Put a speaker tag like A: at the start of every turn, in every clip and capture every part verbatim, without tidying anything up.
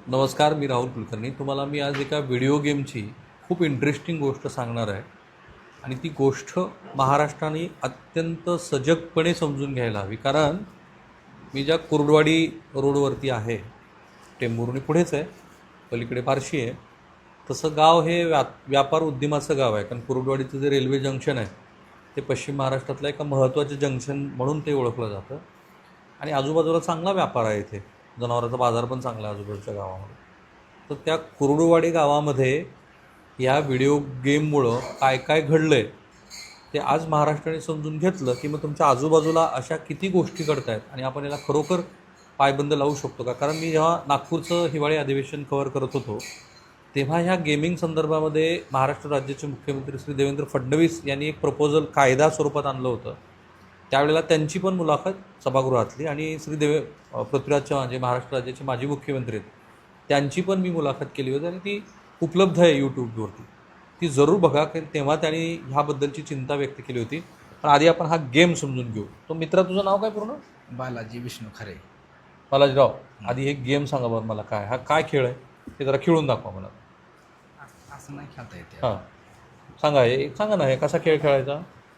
A: नमस्कार, मी राहुल कुलकर्णी. तुम्हाला मी आज एका व्हिडिओ गेमची खूप इंटरेस्टिंग गोष्ट सांगणार आहे आणि ती गोष्ट महाराष्ट्राने अत्यंत सजगपणे समजून घ्यायला हवी. कारण मी ज्या कुर्डवाडी रोडवरती आहे, टेंभुर्णी पुढेच आहे, पलीकडे बार्शी आहे, तसं गाव हे व्या व्यापार उद्यमाचं गाव आहे. कारण कुर्डवाडीचं जे रेल्वे जंक्शन आहे ते पश्चिम महाराष्ट्रातलं एका महत्त्वाचं जंक्शन म्हणून ते ओळखलं जातं आणि आजूबाजूला चांगला व्यापार आहे. इथे जनावरांचा बाजार पण चांगला आहे आजूबाजूच्या गावामध्ये. तर त्या कुर्डुवाडी गावामध्ये या व्हिडिओ गेममुळं काय काय घडलं आहे ते आज महाराष्ट्राने समजून घेतलं की मग तुमच्या आजूबाजूला अशा किती गोष्टी घडत आहेत आणि आपण याला खरोखर पायबंद लावू शकतो का. कारण मी जेव्हा नागपूरचं हिवाळी अधिवेशन कव्हर करत होतो तेव्हा ह्या गेमिंग संदर्भामध्ये महाराष्ट्र राज्याचे मुख्यमंत्री श्री देवेंद्र फडणवीस यांनी एक प्रपोजल कायदा स्वरूपात आणलं होतं. त्यावेळेला त्यांची पण मुलाखत सभागृहातली आणि श्री देवे पृथ्वीराज चव्हाण जे महाराष्ट्र राज्याचे माजी मुख्यमंत्री आहेत त्यांची पण मी मुलाखत केली होती आणि ती उपलब्ध आहे यूट्यूबवरती. ती जरूर बघा, कारण तेव्हा त्यांनी ह्याबद्दलची चिंता व्यक्त केली होती. पण आधी आपण हा गेम समजून घेऊ. तो मित्रा, तुझं नाव काय पूर्ण?
B: बालाजी विष्णू खरे.
A: बालाजीराव, आधी हे गेम सांगा बरं मला, काय हा काय खेळ आहे ते जरा खेळून दाखवा मला.
B: असं नाही खेळता येते.
A: हां सांगा, हे सांगा ना, हे कसा खेळ खेळायचा.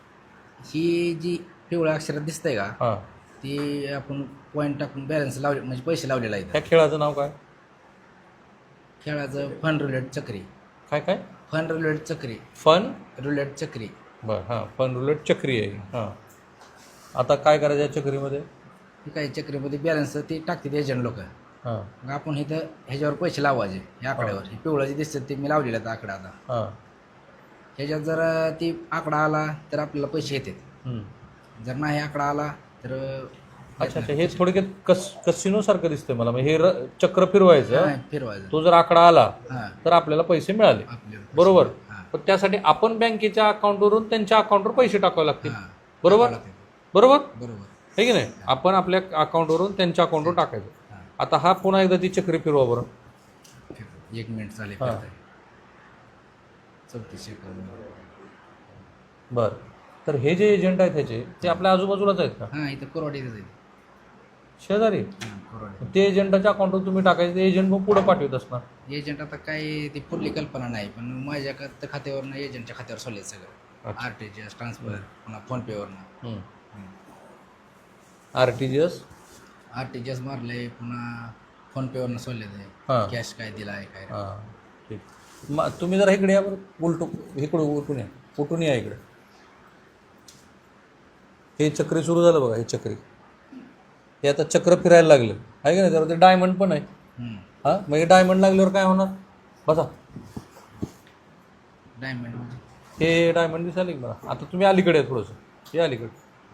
B: ही जी पिवळ्या अक्षरात दिसतंय का,
A: हां,
B: ती आपण पॉईंट टाकून बॅलन्स लावले म्हणजे पैसे लावलेला आहे.
A: त्या खेळाचं नाव काय?
B: खेळाचं फन रुलेट चक्री.
A: काय काय?
B: फन रुलेट चक्री.
A: फन
B: रुलेट चक्री.
A: बरं, हां, फन रुलेट चक्री आहे. हां, आता काय करायचं या चक्रीमध्ये?
B: ही काही चक्रीमध्ये बॅलन्स ते टाकतात एजंट लोक.
A: हां
B: मग आपण इथं ह्याच्यावर पैसे लावायचे. ह्या आकड्यावर हे पिवळं जे दिसतं ते मी लावलेलं आहे आकडा. आता
A: हां
B: ह्याच्यात जर ती आकडा आला तर आपल्याला पैसे येतात.
A: हं.
B: जर नाही आकडा आला तर
A: अच्छा अच्छा, हे थोडक्यात कस कसिनोसारखं दिसतंय मला. म्हणजे हे र चक्र फिरवायचं,
B: नाही फिरवायचं.
A: तो जर आकडा आला
B: हां,
A: तर आपल्याला पैसे मिळाले,
B: आपल्याला पैसे.
A: बरोबर.
B: हां,
A: पण त्यासाठी आपण बँकेच्या अकाउंटवरून त्यांच्या अकाउंटवर पैसे टाकावे लागतील,
B: हां.
A: बरोबर
B: टाकावं लागतं.
A: बरोबर
B: बरोबर.
A: आहे की नाही. आपण आपल्या अकाउंटवरून त्यांच्या अकाउंटवर टाकायचं.
B: हां.
A: आता हा पुन्हा एकदा ती चक्री फिरवा बरं.
B: एक मिनिट चालेल.
A: हां.
B: चौतीस सेकंद.
A: बरं, तर हे जे एजंट आहेत ह्याचे ते आपल्या आजूबाजूलाच आहेत का?
B: हां, इथं कोरवाडीतच आहे.
A: शेजारी?
B: हां, कोरवाडी.
A: ते एजंटाच्या अकाउंटवर तुम्ही टाकायचं, ते एजंट मग पुढं पाठवत असणार.
B: एजंट आता काय ती पुरली कल्पना नाही, पण माझ्या खात खात्यावरनं एजंटच्या खात्यावर सोडले सगळं.
A: अच्छा.
B: R T G S transfer, पुन्हा फोनपेवरनं
A: हं. R T G S
B: R T G S मारले, पुन्हा फोनपेवरनं सोडले ते.
A: हां
B: कॅश काय दिला आहे काय.
A: हां ठीक. मग तुम्ही जरा इकडे या बरं, उलटू इकडं उलटून या, उलटून या इकडे. हे चक्री सुरू झालं बघा, हे चक्री हे आता चक्र फिरायला लागलं आहे का नाही. त्यावर ते डायमंड पण आहे.
B: हं.
A: हां, मग हे डायमंड लागल्यावर काय होणार? बसा,
B: डायमंड म्हणजे
A: हे डायमंड दिसायला की मला. आता तुम्ही अलीकडे आहे थोडंसं, हे अलीकडे.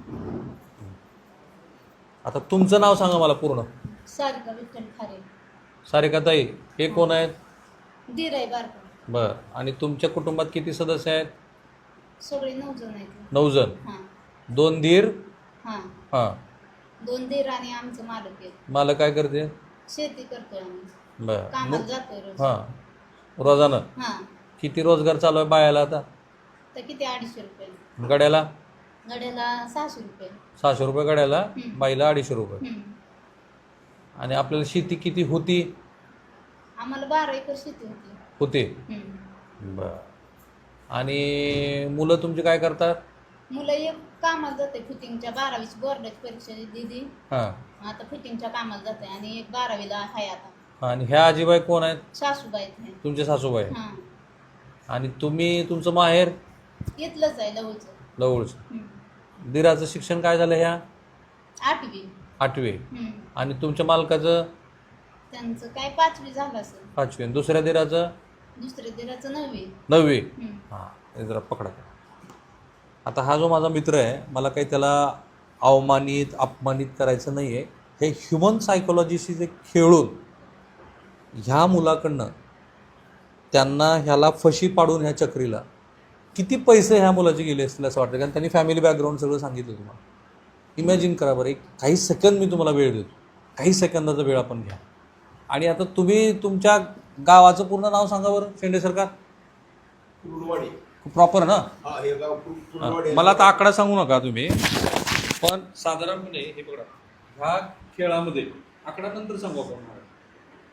A: आता तुमचं नाव सांगा मला पूर्ण.
C: सारिका विठ्ठल खारे.
A: सारिकाताई, हे कोण आहेत?
C: दीर आहे बारका.
A: बरं, आणि तुमच्या कुटुंबात किती सदस्य आहेत?
C: सगळे नऊ जण आहेत.
A: नऊ जण.
C: हां
A: दोन दीर.
C: हां
A: हां,
C: दोन दीर आणि आमचं मालक आहे.
A: मला काय करते?
C: शेती करतोय आम्ही.
A: बरं.
C: कामाला जातोय रोज.
A: हां, रोजानं
C: हां
A: किती रोजगार चालू आहे बायाला आता?
C: तर किती अडीचशे रुपये
A: गड्याला?
C: गड्याला सहाशे रुपये.
A: सहाशे रुपये गड्याला,
C: हं.
A: बाईला अडीचशे रुपये.
C: हं.
A: आणि आपल्याला शेती किती होती?
C: आम्हाला बारा एकर शेती होती.
A: होते.
C: हं.
A: बरं. आणि मुलं तुमची काय करतात?
C: मुलं एक कामाला जाते फिटिंगच्या, बारावीची बोर्डाची परीक्षा दिली,
A: हां,
C: आता फिटिंगच्या कामाला जाते. आणि एक बारावीला आहे आता.
A: आणि ह्या आजीबाई कोण आहेत?
C: सासूबाई आहेत.
A: तुमचे सासूबाई.
C: हां,
A: आणि तुम्ही, तुमचं माहेर?
C: इथलंच आहे लवचं.
A: जवळचं.
C: हं.
A: दिराचं शिक्षण काय झालं ह्या?
C: आठवी.
A: आठवे.
C: हं.
A: आणि तुमच्या मालकाचं?
C: त्यांचं काय पाचवी झालं असेल.
A: पाचवे. आणि दुसऱ्या दिराचं?
C: दुसऱ्या दिराचं नववी.
A: नववी.
C: हं.
A: हां, हे जरा पकडा. आता हा जो माझा मित्र आहे, मला काही त्याला अवमानित अपमानित करायचं नाही आहे. हे ह्युमन सायकोलॉजीशी जे खेळून ह्या मुलाकडनं त्यांना ह्याला फशी पाडून ह्या चक्रीला किती पैसे ह्या मुलाचे गेले असतील असं वाटतं. कारण त्यांनी फॅमिली बॅकग्राऊंड सगळं सांगितलं तुम्हाला. इमॅजिन करा बरं, एक काही सेकंद मी तुम्हाला वेळ देतो, काही सेकंदाचा वेळ आपण घ्या. आणि आता तुम्ही तुमच्या गावाचं पूर्ण नाव सांगा बरं, शेंडे सरकार.
D: कुर्डवाडी.
A: प्रॉपर ना?
D: हा, हे गाव कुर- कुर्डवाडी.
A: मला आता आकडा सांगू नका तुम्ही, पण साधारणपणे हे बघा, ह्या खेळामध्ये आकडा नंतर सांगू आपण.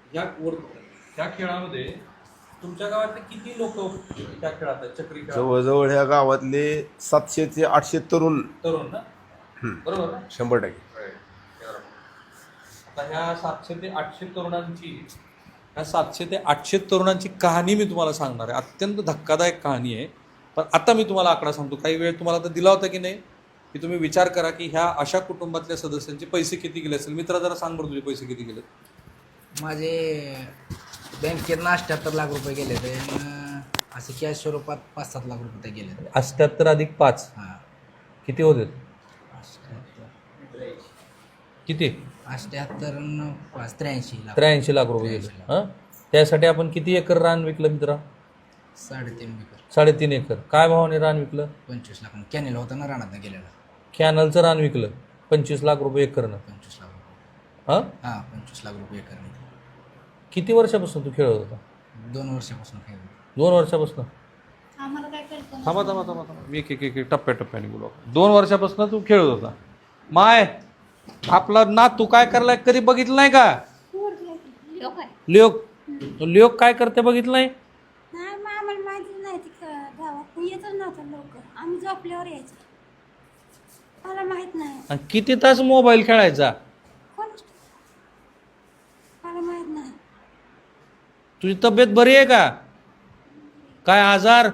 A: या वर त्या खेळामध्ये तुमच्या गावातले किती लोक त्या खेळात आहेत चक्री खेळात
D: जवळजवळ ह्या गावातले सातशे ते आठशे तरुण
A: तरुण ना बरोबर ना
D: शंभर टक्के
A: आता ह्या सातशे ते आठशे तरुणांची ह्या सातशे ते आठशे तरुणांची कहाणी मी तुम्हाला सांगणार आहे. अत्यंत धक्कादायक कहाणी आहे. पण आता मी तुम्हाला आकडा सांगतो. काही वेळ तुम्हाला तर दिला होता की नाही की तुम्ही विचार करा की ह्या अशा कुटुंबातल्या सदस्यांचे पैसे किती गेले असेल. मित्रा जरा सांग बरं तुझे पैसे किती गेले.
B: माझे बँकेत अठ्ठ्याहत्तर लाख रुपये गेले ते असे कॅश स्वरूपात पाच सात लाख रुपये गेले.
A: अठ्ठ्याहत्तर अधिक पाच
B: हां
A: किती होते
B: अठ्ठ्याहत्तर
A: किती
B: अठ्ठ्याहत्तर न पाच त्र्याऐंशी लाख
A: त्र्याऐंशी लाख रुपये गेले. हां त्यासाठी आपण किती एकर रान विकलं मित्रा.
B: साडेतीन एकर
A: साडेतीन एकर. काय भावाने रान विकलं.
B: पंचवीस लाख कॅनेल होता ना रानात गेलेला.
A: कॅनलचं रान विकलं पंचवीस लाख रुपये एकरनं.
B: पंचवीस लाख रुपये
A: हां
B: हां पंचवीस लाख रुपये एकर.
A: किती वर्षापासून तू खेळत होता.
B: दोन वर्षापासून खेळ.
A: दोन वर्षापासून.
C: आम्हाला काय कल्पना
A: थांबा थांबा थांबा थांबा मी एक एक एक एक टप्प्याटप्प्याने बोलू. दोन वर्षापासून तू खेळत होता. माय आपला ना तू काय करलाय कधी बघितलं नाही का.
C: लोक आहे.
A: लिओक लिओक काय करते बघितलं नाही.
E: नाही मग आम्हाला माहिती नाही ती क- गावात येतच नव्हतं लवकर. आम्ही झोपल्यावर यायचो. मला माहित नाही.
A: आणि किती तास मोबाईल खेळायचा.
E: कोण मला माहित नाही.
A: तुझी तब्येत बरी आहे का. काय आजार.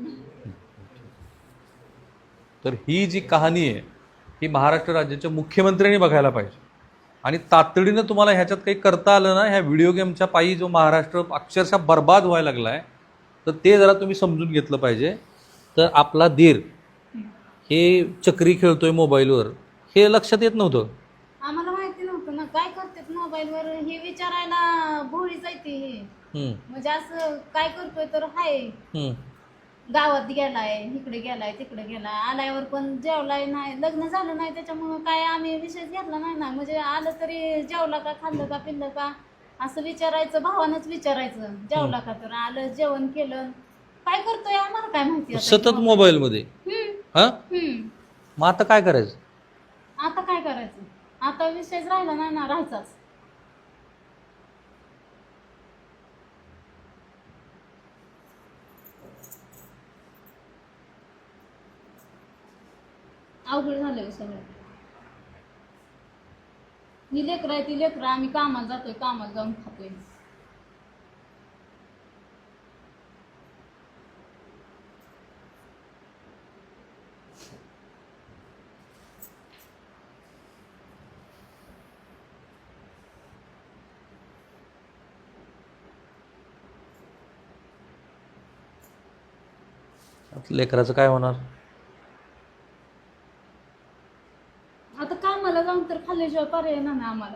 A: तर ही जी कहाणी आहे ही महाराष्ट्र राज्याच्या मुख्यमंत्र्यांनी बघायला पाहिजे. आणि तातडीनं तुम्हाला ह्याच्यात काही करता आलं ना. ह्या व्हिडिओ गेमच्या पायी जो महाराष्ट्र अक्षरशः बर्बाद व्हायला लागला आहे तर ते जरा तुम्ही समजून घेतलं पाहिजे. तर आपला धीर हे चक्री खेळतोय मोबाईलवर हे लक्षात येत नव्हतं.
C: आम्हाला माहिती नव्हतं ना काय करतात मोबाईलवर हे विचारायला भोळीच आहे ती हे.
A: हम्म,
C: म्हणजे असं काय करतोय तर हाय
A: हम्म.
C: गावात गेलाय इकडे गेलाय तिकडे गेलाय आल्यावर पण जेवलाय नाही लग्न झालं नाही त्याच्यामुळं काय आम्ही विषय घेतला नाही ना. म्हणजे आलं तरी जेवला का खाल्लं का पिल्लं का असं विचारायचं भावानंच विचारायचं. जेवला का तर आलं जेवण केलं काय करतोय आम्हाला काय माहिती आता.
A: सतत मोबाईलमध्ये.
C: हम्म,
A: हा
C: हम्म.
A: मग आता काय करायचं.
C: आता काय करायचं आता विषयच राहिला नाही ना राहायचाच. अवघड झालं सगळं. ही लेकरं आहे ती लेकरं आम्ही कामाला जातोय कामाला जाऊन खातोय.
A: लेकराचं काय होणार.
C: आता कामाला जाऊन तर खाल्ल्याशिवाय पर्याय नाही ना आम्हाला.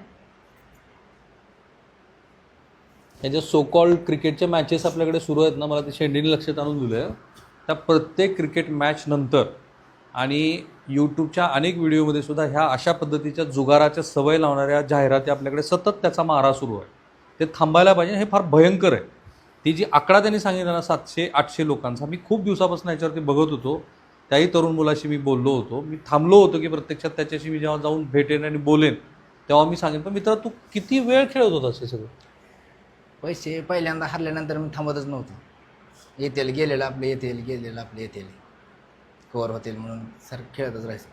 A: हे जे सो कॉल्ड क्रिकेटच्या मॅचेस आपल्याकडे सुरू आहेत ना. मला ते शेंडीने लक्षात आणून दिलं आहे. त्या प्रत्येक क्रिकेट मॅच नंतर आणि यूट्यूबच्या अनेक व्हिडिओमध्ये सुद्धा ह्या अशा पद्धतीच्या जुगाराच्या सवय लावणाऱ्या जाहिराती आपल्याकडे सतत त्याचा मारा सुरू आहे. ते थांबायला पाहिजे. हे फार भयंकर आहे. ती जी आकडा त्यांनी सांगितला ना सातशे आठशे लोकांचा मी खूप दिवसापासून याच्यावरती बघत होतो. त्याही तरुण मुलाशी मी बोललो होतो. मी थांबलो होतो की प्रत्यक्षात त्याच्याशी मी जेव्हा जाऊन भेटेन आणि बोलेन तेव्हा मी सांगेन. पण मित्रा तू किती वेळ खेळत होतास हे सगळं.
B: पैसे पहिल्यांदा हरल्यानंतर मी थांबतच नव्हतो. येतील गेलेलं आपले येतील गेलेलं आपले येतील कवर होतील म्हणून सर खेळतच राहायचं.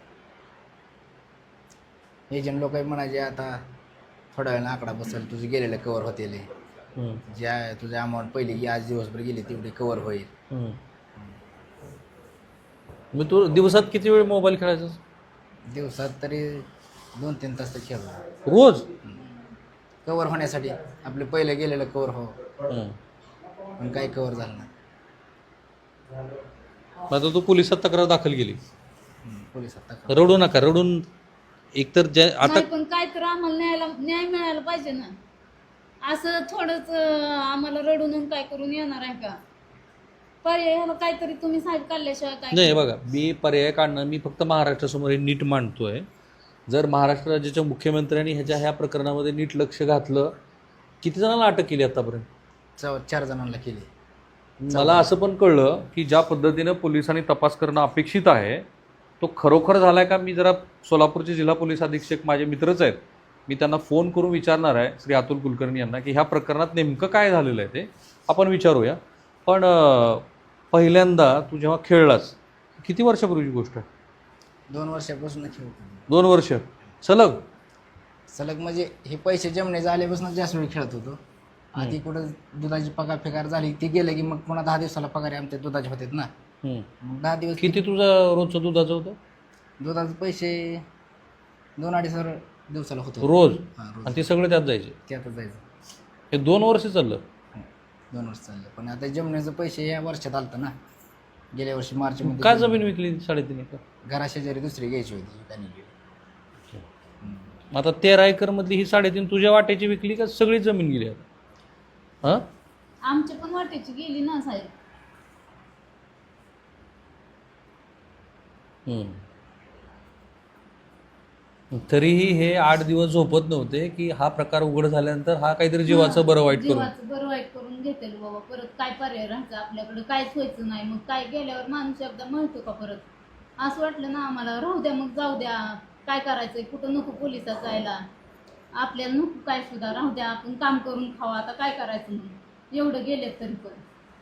B: एजंट लोक म्हणायचे आता थोड्या वेळानं आकडा बसेल तुझे गेलेलं कवर होतील. ज्या तुझ्या अमाऊंट पहिली की आज दिवसभर गेली तेवढी कवर होईल.
A: मग तू दिवसात किती वेळ मोबाईल खेळायचा.
B: दिवसात तरी दोन तीन तास तर खेळलो
A: रोज.
B: कवर होण्यासाठी आपले पहिले गेलेलं कवर हो पण काही कवर झालं नाही.
A: आता तू पोलिसात तक्रार दाखल केली.
B: पोलिसात तक्रार
A: रडू नका. रडून एकतर ज्या आता
C: नाही पण काय तर आम्हाला न्यायला न्याय मिळायला पाहिजे ना. असं थोडंच अं, आम्हाला रडून काय करून येणार आहे का. पर्याय ह्याला काहीतरी तुम्ही साहेब काढल्याशिवाय काय.
A: नाही बघा मी पर्याय काढणं मी फक्त महाराष्ट्रासमोर हे नीट मांडतोय. जर महाराष्ट्र राज्याच्या मुख्यमंत्र्यांनी ह्याच्या ह्या प्रकरणामध्ये नीट लक्ष घातलं. किती जणांना अटक केली आतापर्यंत.
B: चौ चार जणांना केली.
A: मला असं पण कळलं की ज्या पद्धतीनं पोलिसांनी तपास करणं अपेक्षित आहे तो खरोखर झाला आहे का. मी जरा सोलापूरचे जिल्हा पोलीस अधीक्षक माझे मित्रच आहेत मी त्यांना फोन करून विचारणार आहे श्री अतुल कुलकर्णी यांना की ह्या प्रकरणात नेमकं काय झालेलं आहे ते आपण विचारूया. पण अं, पहिल्यांदा तू जेव्हा खेळलास किती वर्षापूर्वीची गोष्ट आहे?
B: दोन वर्षापासून खेळतो.
A: दोन वर्ष सलग?
B: सलग म्हणजे हे पैसे जमणे झाल्यापासून जास्त वेळ खेळत होतो. आधी कुठं दुधाची पगार फेकार झाली ती गेलं की मग पुन्हा दहा दिवसाला पगार आमच्या दुधाचे होतात ना.
A: हम्म.
B: मग दहा दिवस
A: किती तुझं रोजचं दुधाचं होतं?
B: दुधाचे पैसे दोन अडीच हजार दिवसाला होतो
A: रोज?
B: हां रोज.
A: आणि ते सगळे त्यात जायचे?
B: त्यातच जायचं.
A: हे दोन वर्ष चाललं?
B: दोन वर्ष चाललं. पण आता जमण्याचं पैसे या वर्षात आलतं ना. गेल्या वर्षी मार्च मध्ये
A: का जमीन विकली साडेतीन एकर?
B: घराशेजारी दुसरी घ्यायची होती त्यांनी गेली.
A: मग आता तेरा एकरमधली ही साडेतीन तुझ्या वाट्याची विकली का सगळी जमीन गेली आता? हां
C: आमची पण वाटेची गेली ना साहेब.
A: तरीही हे आठ दिवस झोपत नव्हते की हा प्रकार उघड झाल्यानंतर हा काहीतरी जीवाचं बरं वाईट करून.
C: जीवाचं बरं वाईट करून घेतेल बाबा. परत काय पर्याय राहायचं आपल्याकडे? काहीच व्हायचं नाही. मग काय गेल्यावर माणूस एकदा म्हणतो का परत? असं वाटलं ना आम्हाला, राहू द्या मग, जाऊ द्या, काय करायचंय, कुठं नको पोलिसात जायला, आपल्याला नको काय सुद्धा, राहू द्या, आपण काम करून खावा, आता काय करायचं म्हणून एवढं गेलेत तरी पण.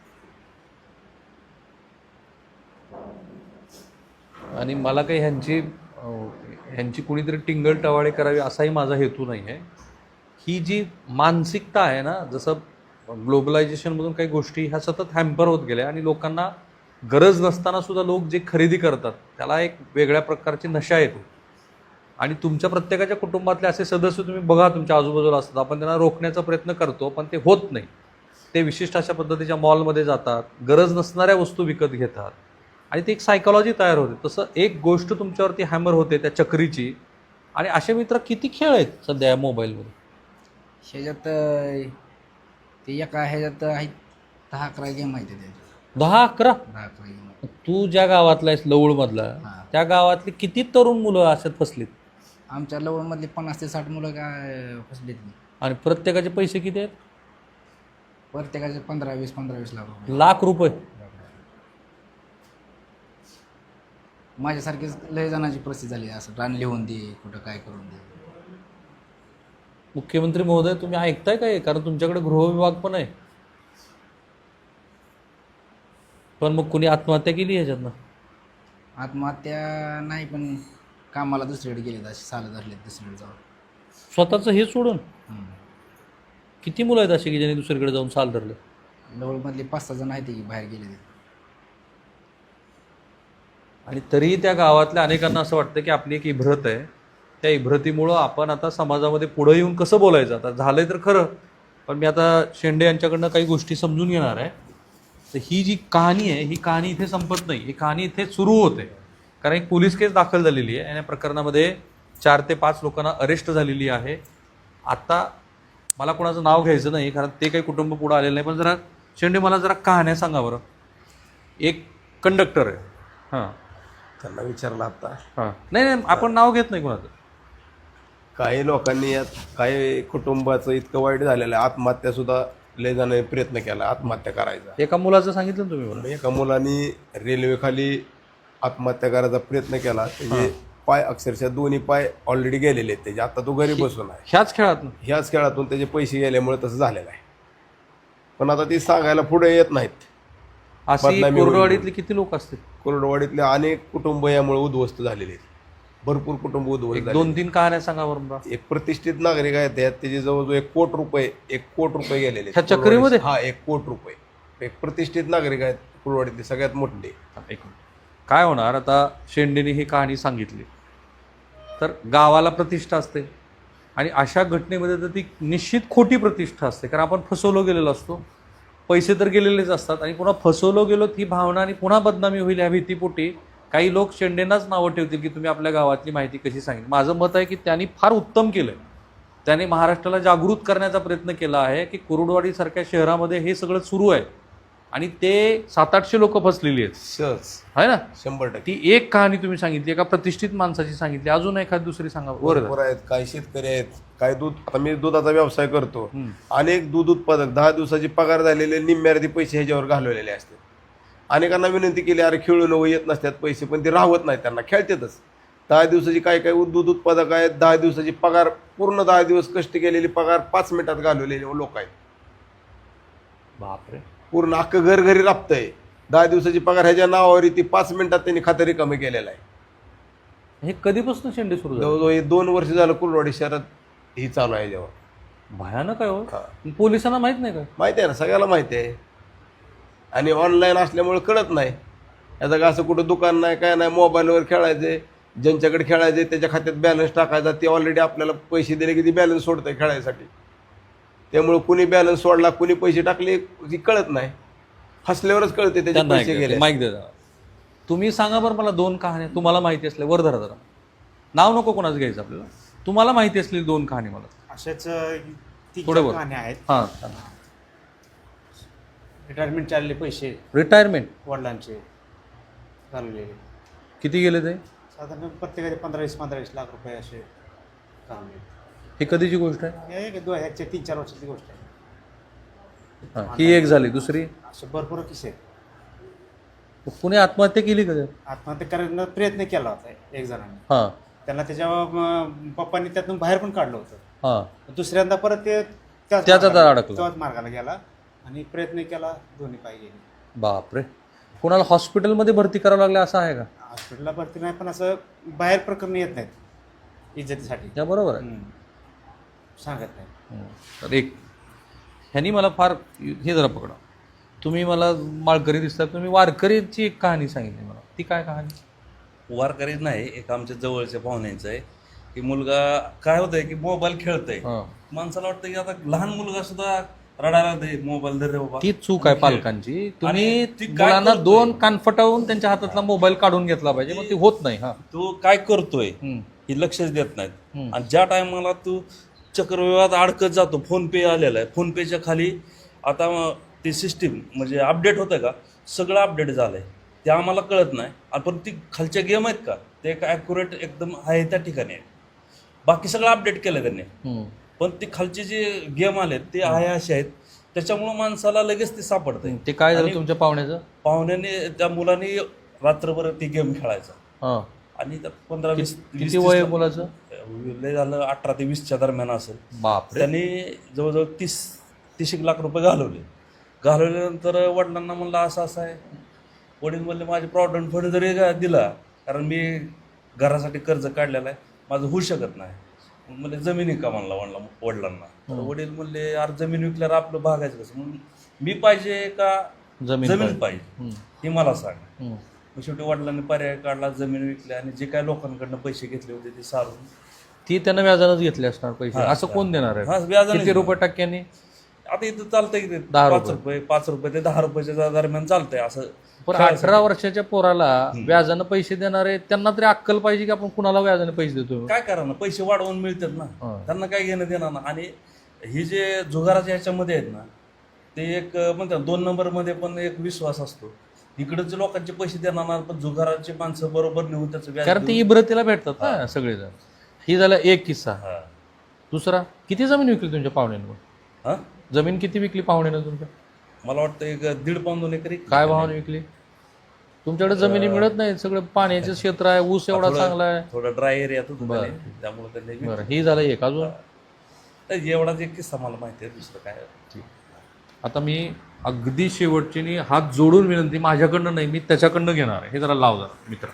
A: आणि मला काही ह्यांची अं, ह्यांची कुणीतरी टिंगल टवाळे करावी असाही माझा हेतू नाही आहे. ही जी मानसिकता आहे ना, जसं ग्लोबलायझेशनमधून काही गोष्टी ह्या सतत हॅम्पर होत गेल्या आणि लोकांना गरज नसताना सुद्धा लोक जे खरेदी करतात त्याला एक वेगळ्या प्रकारची नशा येतो. आणि तुमच्या प्रत्येकाच्या कुटुंबातले असे सदस्य तुम्ही बघा तुमच्या आजूबाजूला असतात, आपण त्यांना रोखण्याचा प्रयत्न करतो पण ते होत नाही. ते विशिष्ट अशा पद्धतीच्या मॉलमध्ये जातात, गरज नसणाऱ्या वस्तू विकत घेतात आणि ती एक सायकॉलॉजी तयार होते. तसं एक गोष्ट तुमच्यावरती हॅमर होते त्या चक्रीची. आणि असे मित्र किती खेळ आहेत सध्या या मोबाईलमध्ये?
B: ह्याच्यात अं, ते एका ह्याच्यात आहेत दहा अकरा गेम आहेत त्याच्यात.
A: दहा अकरा?
B: दहा अकरा गेम आहेत.
A: तू ज्या गावातला आहेस लवळमधला,
B: हां.
A: त्या गावातली किती तरुण मुलं अशात फसलीत?
B: आमच्या लवणमधली पन्नास ते साठ मुलं काय फसलीत नाही.
A: आणि प्रत्येकाचे पैसे किती आहेत?
B: प्रत्येकाचे पंधरा वीस पंधरा वीस लाख रुपये.
A: लाख रुपये.
B: माझ्यासारखीच लय जणांची परिस्थिती झाली, असं रान लिहून दे, कुठं काय करून दे.
A: मुख्यमंत्री महोदय तुम्ही ऐकताय काय? कारण तुमच्याकडे गृहविभाग पण आहे. पण मग कुणी आत्महत्या केली ह्याच्यातनं?
B: आत्महत्या नाही, पण कामाला दुसरीकडे गेलेत, असे साल धरलेत दुसरीकडे जाऊन.
A: स्वतःचं हे सोडून?
B: हम्म.
A: किती मुलं आहेत अशी की ज्यांनी दुसरीकडे जाऊन साल धरले?
B: लवळमधले पाच सहा जण आहेत की बाहेर गेले.
A: आणि तरीही त्या गावातल्या अनेकांना असं वाटतं की आपली एक इब्रत आहे, त्या इब्रतीमुळं आपण आता समाजामध्ये पुढं येऊन कसं बोलायचं. आता झालंय तर खरं, पण मी आता शेंडे यांच्याकडनं काही गोष्टी समजून घेणार आहे. तर ही जी कहाणी आहे ही कहाणी इथे संपत नाही, ही कहाणी इथे सुरू होते. कारण एक पोलीस केस दाखल झालेली आहे आणि या प्रकरणामध्ये चार ते पाच लोकांना अरेस्ट झालेली आहे. आता मला कोणाचं नाव घ्यायचं नाही कारण ते काही कुटुंब पुढं आलेलं नाही, पण जरा शेंडे मला जरा कहाण्या सांगा बरं. एक कंडक्टर आहे, हां,
D: त्यांना विचारलं आता.
A: हां, नाही नाही आपण नाव घेत नाही कोणाचं.
D: काही लोकांनी यात काही कुटुंबाचं इतकं वाईट झालेलं आहे, आत्महत्या सुद्धा लय जणांनी प्रयत्न केला आत्महत्या करायचा.
A: एका मुलाचं सांगितलं ना तुम्ही मला.
D: एका मुलांनी रेल्वेखाली आत्महत्या करायचा प्रयत्न केला, त्याचे पाय अक्षरशः दोन्ही पाय ऑलरेडी गेलेले आहेत त्याचे. आता तो घरी बसून आहे.
A: ह्याच खेळात ना?
D: ह्याच खेळातून त्याचे पैसे गेल्यामुळे तसं झालेलं आहे. पण आता ती सांगायला पुढे येत नाहीत.
A: अशी
D: बदनामी होईल.
A: कोरडवाडीतले किती लोक असतील?
D: कोरडवाडीतले अनेक कुटुंब यामुळे उद्ध्वस्त झालेले आहेत. भरपूर कुटुंब उद्ध्वस्त
A: एक
D: झाले.
A: दोन तीन कहाण्या सांगा बरं मला.
D: एक प्रतिष्ठित नागरिक आहेत त्यात, त्याचे जवळजवळ एक कोट रुपये एक कोट रुपये गेलेले आहेत.
A: ह्या चक्रीमध्ये?
D: हा, एक कोट रुपये. एक प्रतिष्ठित नागरिक आहेत कुरवाडीतले, सगळ्यात मोठे.
A: एक मिनिट. काय होणार आता, शेंडेने ही कहाणी सांगितली तर गावाला प्रतिष्ठा असते आणि अशा घटनेमध्ये तर ती निश्चित खोटी प्रतिष्ठा असते. कारण आपण फसवलो गेलेलो असतो, पैसे तर गेलेलेच असतात आणि पुन्हा फसवलो गेलो ही भावना आणि पुन्हा बदनामी होईल ह्या भीतीपोटी काही लोक शेंडेंनाच नावं ठेवतील की तुम्ही आपल्या गावातली माहिती कशी सांगितली. माझं मत आहे की त्यांनी फार उत्तम केलं आहे. त्याने महाराष्ट्राला जागृत करण्याचा प्रयत्न केला आहे की कुरुडवाडीसारख्या शहरामध्ये हे सगळं सुरू आहे आणि ते सात आठशे लोक फसलेली आहेत,
D: सहज
A: आहे ना.
D: शंभर टक्के.
A: ती एक कहाणी तुम्ही सांगितली, एका प्रतिष्ठित माणसाची सांगितली, अजून एखादी दुसरी सांगा.
D: बरोबर आहेत. काही शेतकरी आहेत, काही दूध, आता मी दुधाचा व्यवसाय करतो.
A: हम्म.
D: अनेक दूध उत्पादक दहा दिवसाची पगार झालेले निम्म्यार्धी पैसे ह्याच्यावर घालवलेले असतात. अनेकांना विनंती केली, अरे खेळून व येत नसतात पैसे, पण ते राहत नाहीत, त्यांना खेळतातच. दहा दिवसाची काय काय दूध उत्पादक आहेत, दहा दिवसाची पगार पूर्ण दहा दिवस कष्ट केलेली पगार पाच मिनिटात घालवलेले लोक आहेत.
A: बापरे.
D: पूर्ण अख्खं घर घरी राबतंय. दहा दिवसाची पगार ह्याच्या नावावर ती पाच मिनिटात त्यांनी खातं रिकामी केलेलं आहे.
A: हे कधीपासून शेंडे सुरू झाले?
D: जवळजवळ हे दोन वर्ष झालं कुलवाडी शहरात ही चालू आहे जेव्हा.
A: भयानक आहे हो.
D: हा.
A: पोलिसांना माहित नाही का?
D: माहिती आहे ना, सगळ्याला माहिती आहे. आणि ऑनलाईन असल्यामुळे कळत नाही. याचं का असं कुठं दुकान नाही काय नाही, मोबाईलवर खेळायचे, ज्यांच्याकडे खेळायचे त्याच्या खात्यात बॅलन्स टाकायचा, ते ऑलरेडी आपल्याला पैसे दिले की ती बॅलन्स सोडतं खेळायसाठी. त्यामुळे कुणी बॅलन्स सोडला कुणी पैसे टाकले ती कळत नाही. हसल्यावरच कळते त्याचे पैसे गेले.
A: माईक दे जरा. तुम्ही सांगा बरं मला दोन कहाण्या तुम्हाला माहिती असल्या, वर धरा जरा, नाव नको कोणाचं घ्यायचं आपल्याला, तुम्हाला माहिती असलेली दोन कहाणी मला.
F: अशाच तीन
A: थोडं
F: चार
A: बोल.
F: कहाण्या आहेत.
A: हां.
F: रिटायरमेंट चालले पैसे
A: रिटायरमेंट
F: वडिलांचे घालवलेले,
A: किती गेले ते?
F: साधारण प्रत्येकाचे पंधरा वीस पंधरा वीस लाख रुपये असे घालवले.
A: ही कधीची गोष्ट आहे?
F: हे एक दोन ह्याच्या तीन चार वर्षाची गोष्ट आहे.
A: हां, ही एक झाली. दुसरी,
F: असे भरपूर किस्से आहेत.
A: कुणी आत्महत्या केली का?
F: आत्महत्या करण्याचा प्रयत्न केला होता एक जणांनी.
A: हां
F: त्यांना त्याच्या अं, पप्पांनी त्यातून बाहेर पण काढलं होतं.
A: हां.
F: दुसऱ्यांदा परत ते त्याच
A: त्याच
F: मार्गाला-
A: आता अडकला.
F: त्याच मार्गाला गेला आणि प्रयत्न केला, दोन्ही पाय गेले.
A: बापरे. कोणाला हॉस्पिटलमध्ये भरती करावं लागलं असं आहे का?
F: हॉस्पिटलला भरती नाही, पण असं बाहेर प्रकरण येत नाहीत इज्जतीसाठी.
A: त्या बरोबर आहे.
F: हम्म. सांगत नाही.
A: हं. तर एक ह्यांनी मला फार हे जरा पकडा, तुम्ही मला माळकरी दिसतात, तुम्ही वारकरीची एक कहाणी सांगितली मला, ती काय कहाणी?
G: वारकरी नाही, एक आमच्या जवळच्या पाहुण्यांचं आहे की मुलगा काय होतंय की मोबाईल खेळतंय.
A: हां.
G: माणसाला वाटतं की आता लहान मुलगा सुद्धा रडायला दे, मोबाईल दे रे बाबा.
A: ती चूक आहे पालकांची. तुम्ही
G: आणि ती काय
A: मुलांना
G: करतोय?
A: दोन कानफटावून त्यांच्या हातातला मोबाईल काढून घेतला पाहिजे, मग ते होत नाही. हा.
G: तो काय करतोय
A: हं.
G: हे लक्षच देत नाहीत.
A: हं.
G: आणि ज्या टायमाला तू चक्रव्यूहात अडकत जातो, फोन पे आलेला आहे, फोन पेच्या खाली आता ती सिस्टीम म्हणजे अपडेट होतं का, सगळं अपडेट झालं आहे, ते आम्हाला कळत नाही. आणि पण ती खालच्या गेम आहेत का, ते एक ॲक्युरेट एकदम आहे त्या ठिकाणी आहे. बाकी सगळं अपडेट केलं त्यांनी,
A: हं.
G: पण ते खालचे जे गेम आलेत ते आहे असे आहेत, त्याच्यामुळं माणसाला लगेच ते सापडतंय.
A: ते काय झालं
G: आणि
A: तुमच्या पाहुण्याचं?
G: पाहुण्याने त्या मुलाने रात्रभर ती गेम खेळायचा
A: हां.
G: आणि त्यात पंधरा वीस
A: किती
G: वीस-
A: वय आहे
G: तीस-
A: मुलाचं?
G: लय झालं अठरा ते वीसच्या दरम्यान असेल.
A: बापरे.
G: त्यांनी जवळजवळ तीस तीस एक लाख रुपये घालवले. घालवल्यानंतर वडिलांना म्हणलं असं असं आहे. वडील म्हणले माझे प्रॉव्हिडंट फंड जरी गा- दिला, कारण मी घरासाठी कर्ज काढलेलं आहे, माझं होऊ शकत नाही. म्हणजे जमिनी का म्हणला वडला वडिलांना. तर वडील म्हणले यार जमीन विकल्यावर आपलं भागायचं कसं, म्हणून मी पाहिजे का
A: जमीन
G: जमीन
A: पाहिजे.
G: पाहिजे
A: हं.
G: हे मला सांग.
A: हं.
G: मग शेवटी वडिलांनी पर्याय काढला, जमीन विकली आणि जे काय लोकांकडनं पैसे घेतले होते ते सारून
A: ती त्यानं व्याजानंच घेतले असणार पैसे.
G: हा,
A: असं कोण देणार
G: हा,
A: आहे?
G: व्याजाने
A: किती
G: देणार.
A: रुपये टक्क्यांनी?
G: आता इथं चालतंय की ते
A: दहा
G: पाच
A: रुपये.
G: रुपये पाच रुपये ते दहा रुपयाच्या दरम्यान चालतंय असं.
A: पण
G: खेळायसाठी.
A: अठरा वर्षाच्या पोराला व्याजानं पैसे देणारे त्यांना तरी अक्कल पाहिजे की आपण कुणाला व्याजाने पैसे देतो.
G: काय करा ना, पैसे वाढवून मिळतात ना,
A: हा.
G: त्यांना काय घेणं देणार ना. आणि ही जे जुगाराच्या ह्याच्यामध्ये आहेत ना, ते एक म्हणतात दोन नंबरमध्ये पण एक विश्वास असतो. इकडचे लोकांचे पैसे देणार ना, पण जुगाराचे माणसं बरोबर नेऊन त्याचं व्याज
A: कारण ते
G: देऊन-
A: इब्रतीला भेटतात ना सगळेजण. ही झाला एक किस्सा.
G: हा.
A: दुसरा, किती जमीन विकली तुमच्या पाहुण्यानं?
G: हा?
A: जमीन किती विकली पाहुण्यानं तुमच्या?
G: मला वाटतं एक दीड पाऊन दोन एकरी.
A: काय भावाने विकली? तुमच्याकडे जमिनी मिळत नाही, सगळं पाण्याचं क्षेत्र आहे, ऊस एवढा
G: थोडं-
A: चांगला आहे.
G: थोडा ड्राय एरियात होतं
A: बरं.
G: त्याने, त्यामुळे त्यांनी विकलं.
A: बरं, ही झालं एक. अजून
G: तर एवढाच एक किस्सा मला माहिती आहे, दुसरं काय.
A: आता मी अगदी शेवटची नी हात जोडून विनंती, माझ्याकडनं नाही, मी त्याच्याकडनं घेणार आहे. हे जरा लाव जरा मित्र.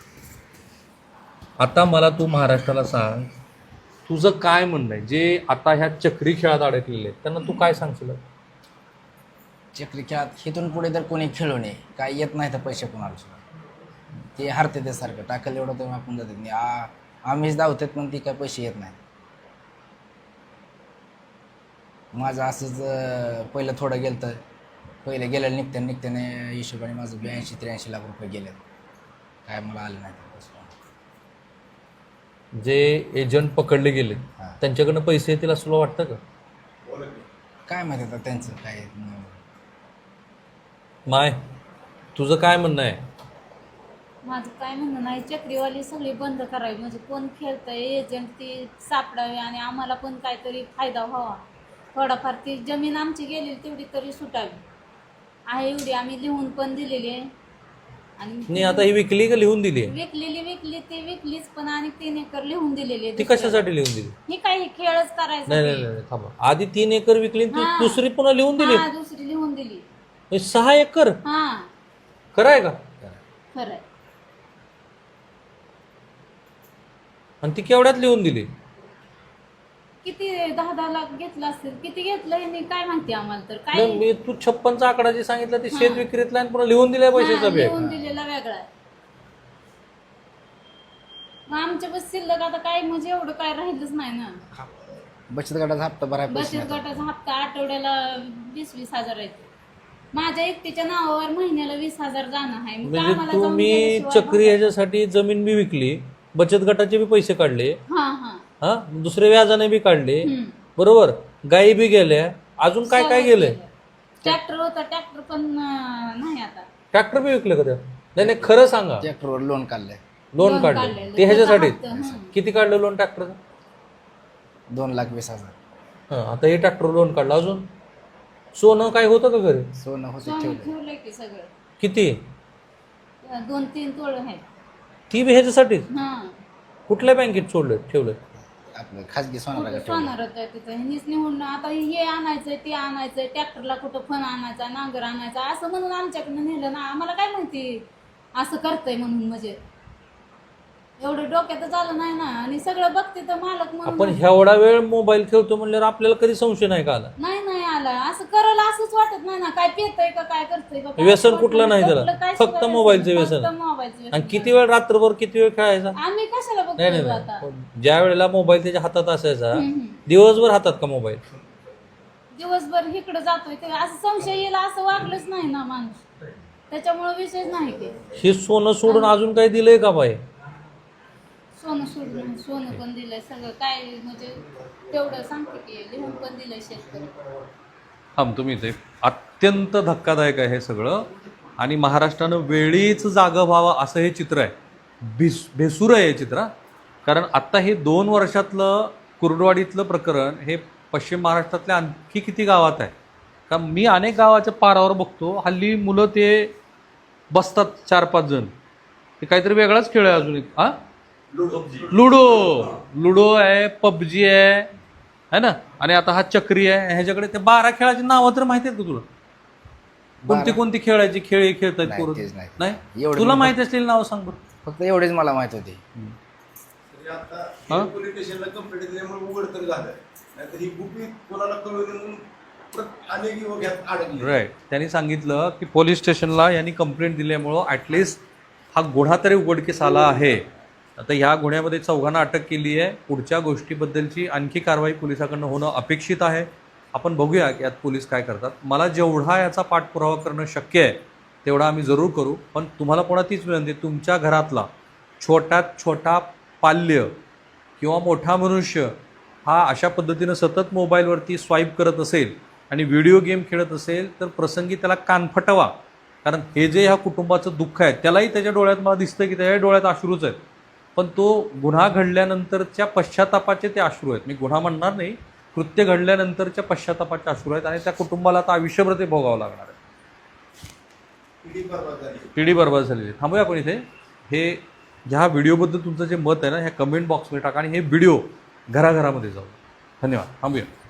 A: आता मला तू महाराष्ट्राला सांग, तुझं काय म्हणणं आहे? जे आता ह्या चक्री खेळात अडकलेले आहेत त्यांना तू काय सांगशील?
B: चक्री खेळात इथून पुढे तर कोणी खेळू नये, काय येत नाही तर पैसे कोणाला सुद्धा. ते हरते ते सारखं टाकलं एवढं तर आपण जातात नाही. आ आम्हीच धावतात पण ती काय पैसे येत नाही. माझं असंच अं, पहिलं थोडं गेलं तर पहिलं गेलं निघत्या निघत्याने हिशोबाने माझं ब्याऐंशी त्र्याऐंशी लाख रुपये गेले, काय मला आले नाही ते पैसे.
A: जे एजंट पकडले गेले
B: हां.
A: त्यांच्याकडनं पैसे येतील असं तुला वाटतं का?
B: काय माहिती आता त्यांचं काय न-
A: माय, तुझं काय म्हणणं आहे?
C: माझं काय म्हणणं नाही, चक्रीवाली सगळी बंद करावी, म्हणजे कोण खेळतंय एजंट ती सापडावी आणि आम्हाला पण काहीतरी फायदा व्हावा. थोडाफार ती जमीन आमची गेलेली तेवढी तरी सुटावी आहे, एवढी आम्ही लिहून पण दिलेली आहे आणि
A: नाही आता ही विकली का लिहून दिली आहे?
C: विकलेली विकली ती विकलीच पण आणि तीन एकर लिहून दिलेली आहे
A: ती
C: दुसऱ्याला.
A: कशासाठी लिहून दिली?
C: ही काय हे खेळच करायचा
A: नाही नाही
C: ते.
A: नाही थांबा, आधी तीन एकर विकली आणि ती
C: हा.
A: दुसरी पुन्हा लिहून दिली.
C: हा दुसरी लिहून दिली.
A: हे सहा एकर
C: हा
A: खरं आहे का?
C: खरंय.
A: आणि ती केवढ्यात लिहून दिली?
C: किती दहा दहा लाख घेतलं असेल, किती घेतलं हे नाही काय माहिती आम्हाला तर काय.
A: नाही, मी तू छप्पनचा आकडा जे सांगितला ते शेत विक्रीतला आणि पुन्हा लिहून दिलाय पैशाचा
C: हा,
A: बॅग.
C: लिहून दिलेला वेगळा आहे. मग आमच्या बस शिल्लक आता काय म्हणजे एवढं काय राहिलंच नाही ना.
B: बचत गटाचा हप्ता भराय पैसे
C: बचत
B: नाही.
C: गटाचा हप्ता आठवड्याला वीस वीस हजार आहे. माझ्या एकटीच्या नावावर महिन्याला वीस हजार जाणं आहे. मग
A: म्हणजे
C: आम्हाला जाऊन
A: तुम्ही
C: गेल्याशिवाय
A: चक्री ह्याच्यासाठी जमीन बी विकली, बचत गटाचे बी पैसे काढले,
C: हा हा
A: हा दुसरे व्याजाने बी काढले,
C: हम्म.
A: बरोबर, गायी बी गेल्या, अजून काय काय गेलंय?
C: ट्रॅक्टर होता, ट्रॅक्टर पण अं, नाही आता.
A: ट्रॅक्टर बी विकले का त्या? नाही नाही खरं सांगा.
B: ट्रॅक्टरवर लोन काढलंय
A: लोन
C: लोन
A: काढले
C: काढलेलं.
A: ते ह्याच्यासाठी?
C: त्याचा हप्ता, हं.
A: किती काढलं लोन ट्रॅक्टरचं?
B: दोन लाख वीस हजार.
A: हा आता हे ट्रॅक्टर लोन काढलं. अजून सोनं काय होतं का घरी?
B: सोनं होते
C: स्वामी
B: ठेवलं.
C: ठेवलंय की सगळं.
A: किती?
C: दोन तीन तोळ आहेत.
A: ती बी ह्याच्यासाठी?
C: हा
A: कुठल्या बँकेत सोडलं ठेवलं?
B: आपलं खाजगी सोनाला
C: कुठं
B: ठेवलं.
C: सोनार होतं तिथं ह्यांनीच निवडून आता हे आणायचंय ते आणायचंय, ट्रॅक्टरला कुठं फण आणायचा, नांगर आणायचा असं म्हणून आमच्याकडनं नेलं ना. आम्हाला काय माहिती असं करतंय म्हणून. म्हणजे एवढं डोक्यातच आलं नाही ना. आणि सगळं बघते तर मालक
A: आपण
C: म्हणून
A: एवढा वेळ मोबाईल खेळतो म्हणल्यावर आपल्याला कधी संशय नाही का आला?
C: नाही नाही आला. असं करायला असंच वाटत नाही ना. काय पेतय का काय करतंय का काय
A: व्यसन
C: वाटत
A: कुठलं नाही त्याला?
C: कुठलं काय
A: फक्त
C: सुद्धा
A: मोबाईलचं
C: व्यसन.
A: व्यसन.
C: फक्त मोबाईलचं व्यसन.
A: आणि किती वेळ रात्रभर किती वेळ खेळायचा?
C: आम्ही कशाला
A: नाही नाही
C: बघतोय आता.
A: नाही ज्या वेळेला मोबाईल त्याच्या हातात असायचा
C: हम्म.
A: दिवसभर हातात का मोबाईल?
C: दिवसभर इकडे जातोय ते असं संशय येईल असं वागलंच नाही ना माणूस. त्याच्यामुळे विषयच नाही ते.
A: हे सोनं सोडून अजून काही दिलंय का बाई?
C: सोनं सोडून सोनं पण दिलंय सगळं काय म्हणजे तेवढं सांगते की लिहून पण दिलंय शेतकरी.
A: थांब तुम्ही ते अत्यंत धक्कादायक आहे हे सगळं. आणि महाराष्ट्रानं वेळीच जागं व्हावं असं हे चित्र आहे. भिस भेसूर आहे हे चित्र हा. कारण आत्ता हे दोन वर्षातलं कुर्डवाडीतलं प्रकरण हे पश्चिम महाराष्ट्रातल्या आणखी किती गावात आहे. कारण मी अनेक गावाच्या पारावर बघतो हल्ली मुलं ते बसतात चार पाच जण, ते काहीतरी वेगळाच खेळ आहे अजून एक. हां लुडो लुडो आहे, पबजी आहे है ना, आणि आता हा चक्री आहे. ह्याच्याकडे ते बारा खेळाची नावं तर माहिती आहेत का तुला? कोणती कोणती खेळायची खेळ हे खेळतायत
B: नाही,
A: पोरं?
B: तेच नाही.
A: नाही
B: एवढं
A: तुला
B: मी
A: माहिती असलेली नावं सांग बरं.
B: फक्त एवढेच मला माहित होते.
A: हा?
D: पोलीस स्टेशनला कंप्लेंट दिल्यामुळे उघड तर झालं. नाहीतर ही गुपित कोणाला कळवली म्हणून प्रत- अनेक युवक यात अडकले.
A: राईट. त्यांनी सांगितलं की पोलीस स्टेशनला यांनी कंप्लेंट दिल्यामुळं ॲटलिस्ट हा गुन्हा तरी उघडकीस आला आहे. आता ह्या गुन्ह्यामध्ये चौघांना अटक केली आहे. पुढच्या गोष्टीबद्दलची आणखी कारवाई पोलिसाकडनं होणं अपेक्षित आहे. आपण बघूया की यात पोलीस काय करतात. मला जेवढा याचा पाठपुरावा करणं शक्य आहे तेवढा आम्ही जरूर करू. पण तुम्हाला पुन्हा तीच विनंती, तुमच्या घरातला छोट्यात छोटा पाल्य किंवा मोठा मनुष्य हा अशा पद्धतीनं सतत मोबाईलवरती स्वाईप करत असेल आणि व्हिडिओ गेम खेळत असेल तर प्रसंगी त्याला कानफटवा. कारण हे जे ह्या कुटुंबाचं दुःख आहे त्यालाही त्याच्या डोळ्यात मला दिसतं की त्याच्या डोळ्यात अश्रूच आहेत. पण तो गुन्हा घडल्यानंतरच्या पश्चातापाचे ते अश्रू आहेत. मी गुन्हा म्हणणार नाही, कृत्य घडल्यानंतरच्या पश्चातापाचे अश्रू आहेत. आणि त्या कुटुंबाला आता आयुष्यभर ते भोगावं लागणार आहे.
D: पिढी बरबाद झाली.
A: पिढी बरबाद झालेली. थांबूया आपण इथे. हे ह्या व्हिडिओबद्दल तुमचं जे मत आहे ना ह्या कमेंट बॉक्समध्ये टाका आणि हे व्हिडिओ घराघरामध्ये जाऊ. धन्यवाद. थांबूया.